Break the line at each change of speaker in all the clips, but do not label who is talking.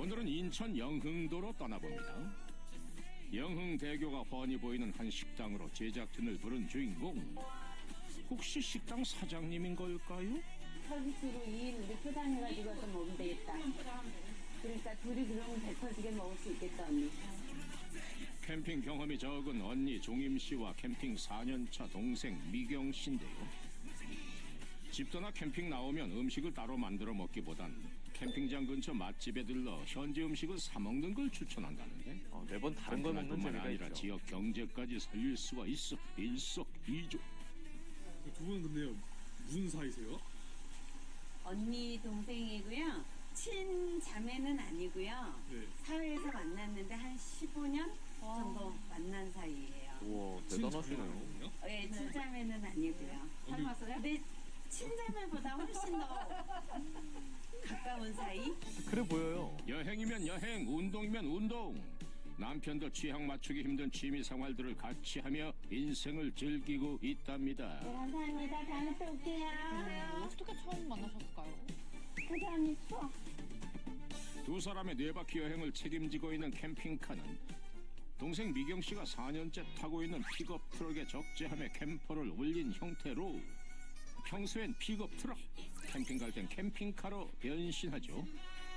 오늘은 인천 영흥도로 떠나봅니다. 영흥대교가 훤히 보이는 한 식당으로 제작진을 부른 주인공. 혹시 식당 사장님인 걸까요?
서비스로 2인 우리 포장해가지고 와서 먹으면 되겠다. 그러니까 둘이 그러면 배 터지게 먹을 수 있겠다, 언니.
캠핑 경험이 적은 언니 종임 씨와 캠핑 4년차 동생 미경 씨인데요. 집 떠나 캠핑 나오면 음식을 따로 만들어 먹기보단 캠핑장 근처 맛집에 들러 현지 음식을 사 먹는 걸 추천한다는데.
매번 다른 걸 먹는
뿐만
재미가
아니라
있죠.
지역 경제까지 살릴 수가 있어 일석이조.
두 분은 근데 무슨 사이세요?
언니 동생이고요. 친자매는 아니고요.
네.
사회에서 만났는데 한 15년 정도 만난 사이예요.
우와, 대단하시네요.
네, 친자매는 아니고요.
닮았어요?
근데 친자매보다 훨씬 더 가까운 사이?
그래 보여요.
여행이면 여행, 운동이면 운동. 남편도 취향 맞추기 힘든 취미 생활들을 같이 하며 인생을 즐기고 있답니다.
감사합니다. 다음에 또 올게요.
어떻게 처음 만나셨을까요?
감사합니다. 추워.
두 사람의 뇌바퀴 여행을 책임지고 있는 캠핑카는 동생 미경 씨가 4년째 타고 있는 픽업 트럭에 적재함에 캠퍼를 올린 형태로 평소엔 픽업 트럭, 캠핑 갈 땐 캠핑카로 변신하죠.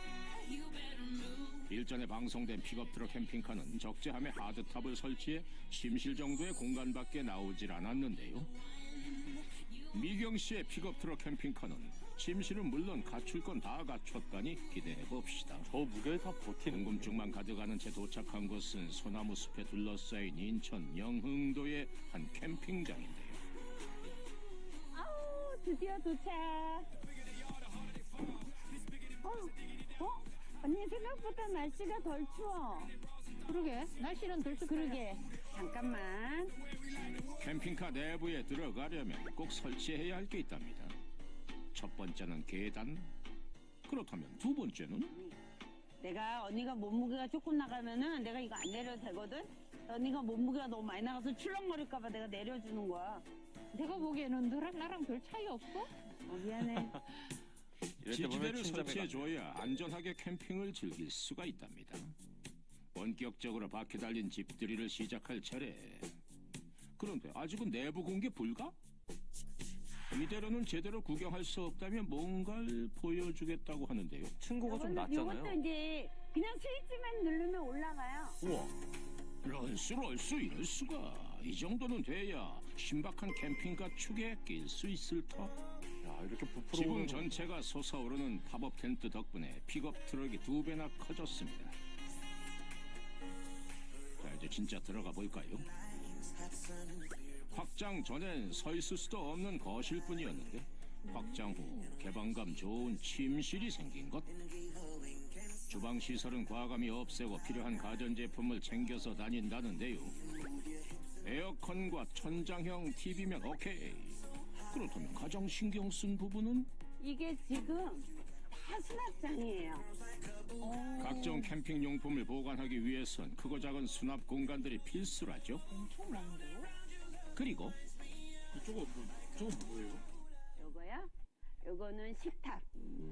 일전에 방송된 픽업 트럭 캠핑카는 적재함에 하드탑을 설치해 침실 정도의 공간밖에 나오질 않았는데요. 미경 씨의 픽업 트럭 캠핑카는 침실은 물론 갖출 건 다 갖췄다니 기대해 봅시다.
저 무게를 다 버티는
궁금증만 가져가는 채 도착한 곳은 소나무 숲에 둘러싸인 인천 영흥도의 한 캠핑장인데요.
아우, 드디어 도착. 언니 생각보다 날씨가 덜 추워.
그러게 날씨는 덜 춥다.
그러게. 잠깐만.
캠핑카 내부에 들어가려면 꼭 설치해야 할 게 있답니다. 첫 번째는 계단. 그렇다면 두 번째는?
내가 언니가 몸무게가 조금 나가면은 내가 이거 안 내려도 되거든? 언니가 몸무게가 너무 많이 나가서 출렁거릴까봐 내가 내려주는 거야.
내가 보기에는 너랑 나랑 별 차이 없어?
미안해.
이럴 때 보면
지지대를
친자매가
설치해줘야 안전하게 캠핑을 즐길 수가 있답니다. 본격적으로 바퀴 달린 집들이를 시작할 차례. 그런데 아직은 내부 공개 불가? 이대로는 제대로 구경할 수 없다면 뭔가를 보여주겠다고 하는데요.
층고가 좀
이것도
낮잖아요.
이제 그냥 스위치만 누르면 올라가요.
우와,
이럴 수가. 이 정도는 돼야 신박한 캠핑카 축에 낄 수 있을 터.
야 이렇게 부풀어
지붕
오르는
전체가 솟아오르는 팝업 텐트 덕분에 픽업 트럭이 2배나 커졌습니다. 자, 이제 진짜 들어가 볼까요? 확장 전엔 서 있을 수도 없는 거실뿐이었는데 확장 후 개방감 좋은 침실이 생긴 것. 주방 시설은 과감히 없애고 필요한 가전제품을 챙겨서 다닌다는데요. 에어컨과 천장형 TV면 오케이. 그렇다면 가장 신경 쓴 부분은?
이게 지금 다 수납장이에요.
각종 캠핑 용품을 보관하기 위해선 크고 작은 수납 공간들이 필수라죠.
엄청 많은데요?
그리고
저거 뭐예요?
요거요? 요거는 식탁.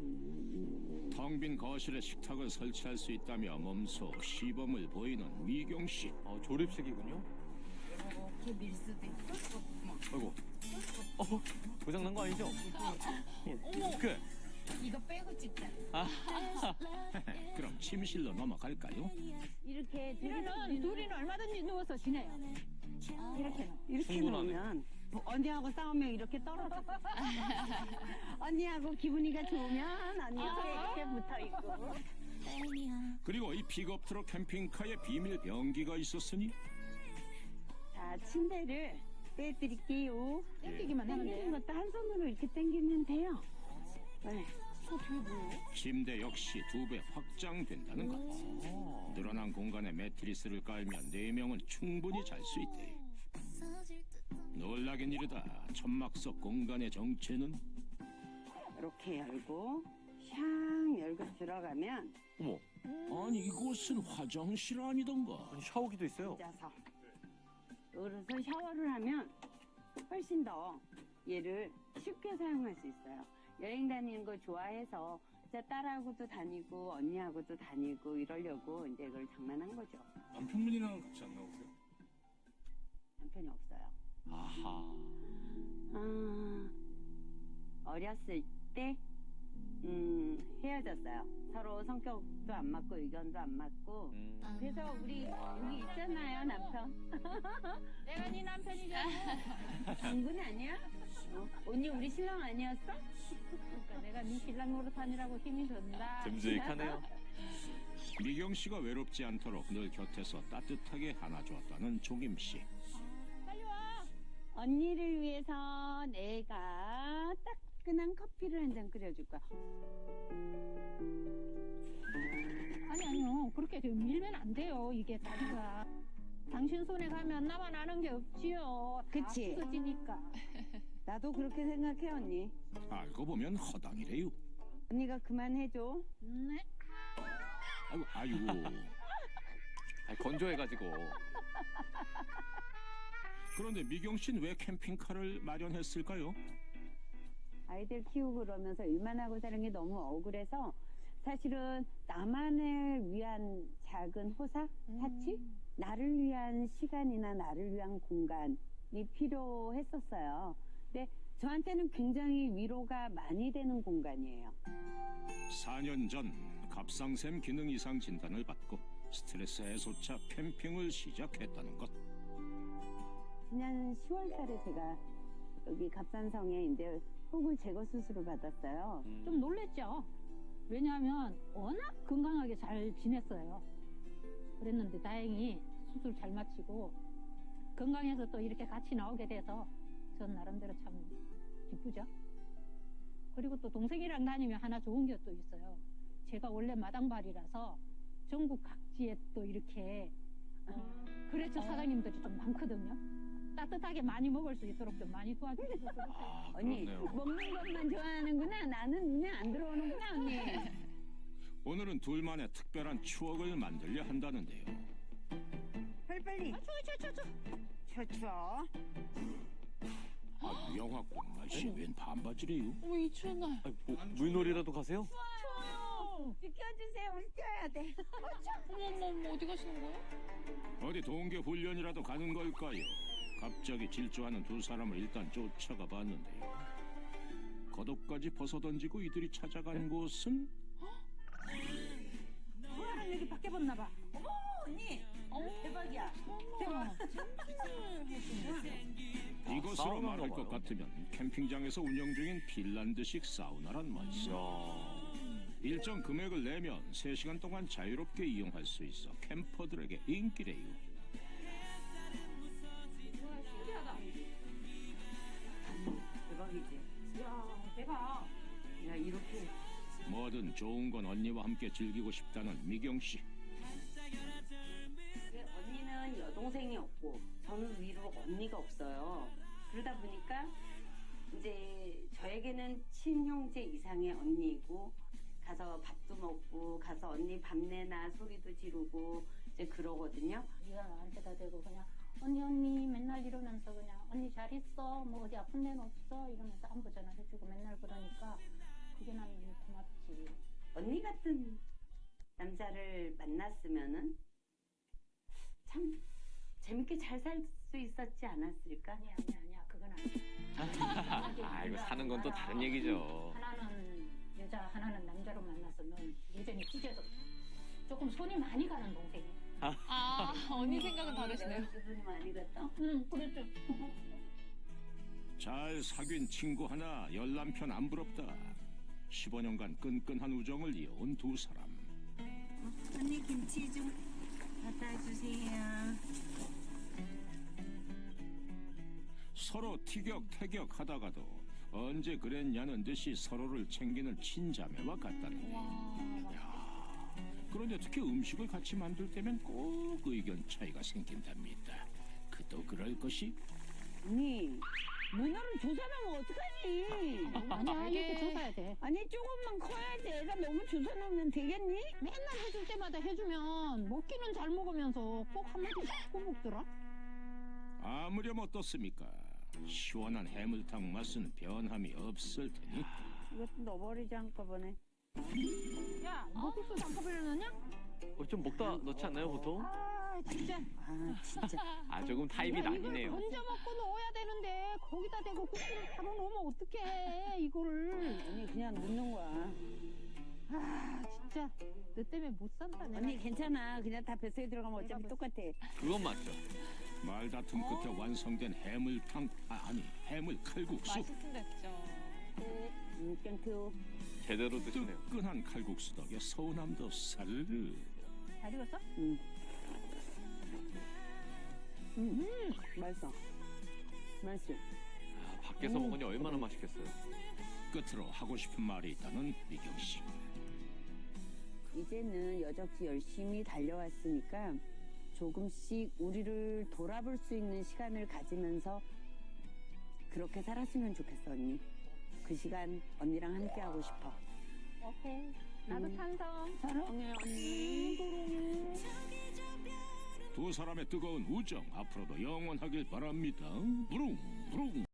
텅 빈 거실에 식탁을 설치할 수 있다며 몸소 시범을 보이는 미경 씨.
조립식이군요.
이렇게 밀 수도 있어?
아이고, 고장난 거 아니죠?
어머,
그래.
이거 빼고 찍자.
그럼 침실로 넘어갈까요?
이렇게
둘이는 얼마든지 누워서 지내요.
이렇게
충분하네.
놓으면 언니하고 싸우면 이렇게 떨어져. 언니하고 기분이가 좋으면 언니가 이렇게 붙어 있고.
그리고 이 픽업 트럭 캠핑카에 비밀 변기가 있었으니
자, 침대를 빼드릴게요.
땡기기만 하면
당기는
돼.
것도 한 손으로 이렇게 당기면 돼요. 네.
침대 역시 2배 확장된다는 것. 늘어난 공간에 매트리스를 깔면 4명은 충분히 잘 수 있대. 놀라긴 이르다. 천막 속 공간의 정체는
이렇게 열고 샹 열고 들어가면
어머,
아니 이곳은 화장실 아니던가.
아니, 샤워기도 있어요.
앉아서 열어서 샤워를 하면 훨씬 더 얘를 쉽게 사용할 수 있어요. 여행 다니는 거 좋아해서 진짜 딸하고도 다니고 언니하고도 다니고 이러려고 이제 그걸 장만한 거죠.
남편분이랑 같이 안 나오세요?
남편이 없어요.
아하.
어렸을 때 헤어졌어요. 서로 성격도 안 맞고 의견도 안 맞고. 그래서 우리 여기 있잖아요, 남편.
내가 네 남편이잖아.
당근 아니야? 언니 우리 신랑 아니었어?
그러니까 내가 네 신랑 노릇하느라고 힘이 든다.
듬직하네요.
미경 씨가 외롭지 않도록 늘 곁에서 따뜻하게 안아주었다는 종임 씨.
빨리 와.
언니를 위해서 내가 따끈한 커피를 한 잔 끓여줄 거야.
아니요. 그렇게 좀 밀면 안 돼요. 이게 다리가. 당신 손에 가면 나만 아는 게 없지요.
그치?
다 부서지니까.
나도 그렇게 생각해, 언니.
알고 보면 허당이래요.
언니가 그만해줘.
네?
아이고.
아니, 건조해가지고.
그런데 미경 씨는 왜 캠핑카를 마련했을까요?
아이들 키우고 그러면서 일만 하고 사는 게 너무 억울해서 사실은 나만을 위한 작은 호사? 사치? 나를 위한 시간이나 나를 위한 공간이 필요했었어요. 근데 저한테는 굉장히 위로가 많이 되는 공간이에요.
4년 전 갑상샘 기능 이상 진단을 받고 스트레스 해소차 캠핑을 시작했다는 것.
지난 10월 달에 제가 여기 갑산성에 이제 혹을 제거 수술을 받았어요.
좀 놀랬죠. 왜냐하면 워낙 건강하게 잘 지냈어요. 그랬는데 다행히 수술 잘 마치고 건강해서 또 이렇게 같이 나오게 돼서 전 나름대로 참 기쁘죠. 그리고 또 동생이랑 다니면 하나 좋은 게 또 있어요. 제가 원래 마당발이라서 전국 각지에 또 이렇게 그래서 사장님들이 좀 많거든요. 따뜻하게 많이 먹을 수 있도록 좀 많이 도와주시고
아,
언니
그렇네요.
먹는 것만 좋아하는구나. 나는 눈에 안 들어오는구나, 언니.
오늘은 둘만의 특별한 추억을 만들려 한다는데요.
빨리빨리. 추워.
영화권 날씨 웬 반바지래요?
이 추운 날.
아니, 뭐, 물놀이라도 가세요?
비켜주세요. 우리 뛰어야 돼.
어머 어디 가시는 거예요?
어디 동계 훈련이라도 가는 걸까요? 갑자기 질주하는 두 사람을 일단 쫓아가 봤는데요. 겉옷까지 벗어던지고 이들이 찾아간 곳은
누나랑 여기 밖에 봤나 봐.
언니. 대박이야.
대박.
이것으로
사우나인가
말할 것
봐요.
같으면 캠핑장에서 운영 중인 핀란드식 사우나란 말씀.
이야.
일정 금액을 내면 3시간 동안 자유롭게 이용할 수 있어 캠퍼들에게 인기래요.
대박이지.
이야 대박.
야, 이렇게.
뭐든 좋은 건 언니와 함께 즐기고 싶다는 미경 씨.
언니는 여동생이 없고 저는 위로 언니가 없어요. 그러다 보니까 이제 저에게는 친형제 이상의 언니이고 가서 밥도 먹고 가서 언니 밤내나 소리도 지르고 이제 그러거든요.
네가 나한테다 대고 그냥 언니 맨날 이러면서 그냥 언니 잘 있어 뭐 어디 아픈 데는 없어 이러면서 안부 전화해주고 맨날 그러니까 그게 난 너무 고맙지.
언니 같은 남자를 만났으면은 참 재밌게 잘 살 수 있었지 않았을까?
아니야 그건 아니야.
아, 이거 사는 건 또 다른 얘기죠.
하나는 여자 하나는 남자로 만났으면 여전히 찢어져. 조금 손이 많이 가는 동생이야.
아, 언니 생각은 다르시네요.
내가 기분이 많이 갔다.
응 그랬죠.
잘 사귄 친구 하나 열남편 안 부럽다. 15년간 끈끈한 우정을 이어온 두 사람.
언니 김치 좀 갖다 주세요.
서로 티격태격 하다가도 언제 그랬냐는 듯이 서로를 챙기는 친자매와 같다는데. 그런데 특히 음식을 같이 만들 때면 꼭 의견 차이가 생긴답니다. 그도 그럴 것이
언니 문어를 조사하면 어떡하니?
아니야
이게-
이렇게 줘서야 돼.
아니 조금만 커야지. 애가 너무 조사하면 되겠니?
맨날 해줄 때마다 해주면 먹기는 잘 먹으면서 꼭 한마디씩 꼬먹더라.
아무렴 어떻습니까? 시원한 해물탕 맛은 변함이 없을 테니.
이것도 넣어버리지 한꺼번에.
야, 너 국수 장꺼풀 넣냐?
좀 먹다 넣지 않나요 보통?
아, 진짜.
아 진짜.
아 조금 타입이
야,
나뉘네요.
이걸 건져 먹고 넣어야 되는데 거기다 대고 국수를 바로 넣으면 어떡해 이거를.
언니 그냥 넣는 거야.
아, 진짜 너 때문에 못 산다 내가.
언니 괜찮아. 그냥 다 뱃속에 들어가면 어차피
내가
똑같아.
그건 맞죠.
말다툼 끝에 완성된 해물탕 아니 해물 칼국수.
맛있음 됐죠.
땡큐.
제대로 드시네요.
뜨끈한 칼국수 덕에 서운함도 사르르.
잘 익었어?
맛있어. 맛있어.
아, 밖에서 먹으니 얼마나 맛있겠어요.
끝으로 하고 싶은 말이 있다는 미경 씨.
이제는 여적지 열심히 달려왔으니까 조금씩 우리를 돌아볼 수 있는 시간을 가지면서 그렇게 살았으면 좋겠어, 언니. 그 시간 언니랑 함께 하고 싶어.
오케이. 나도 찬성.
사랑해, 언니.
두 사람의 뜨거운 우정 앞으로도 영원하길 바랍니다. 부릉 부릉.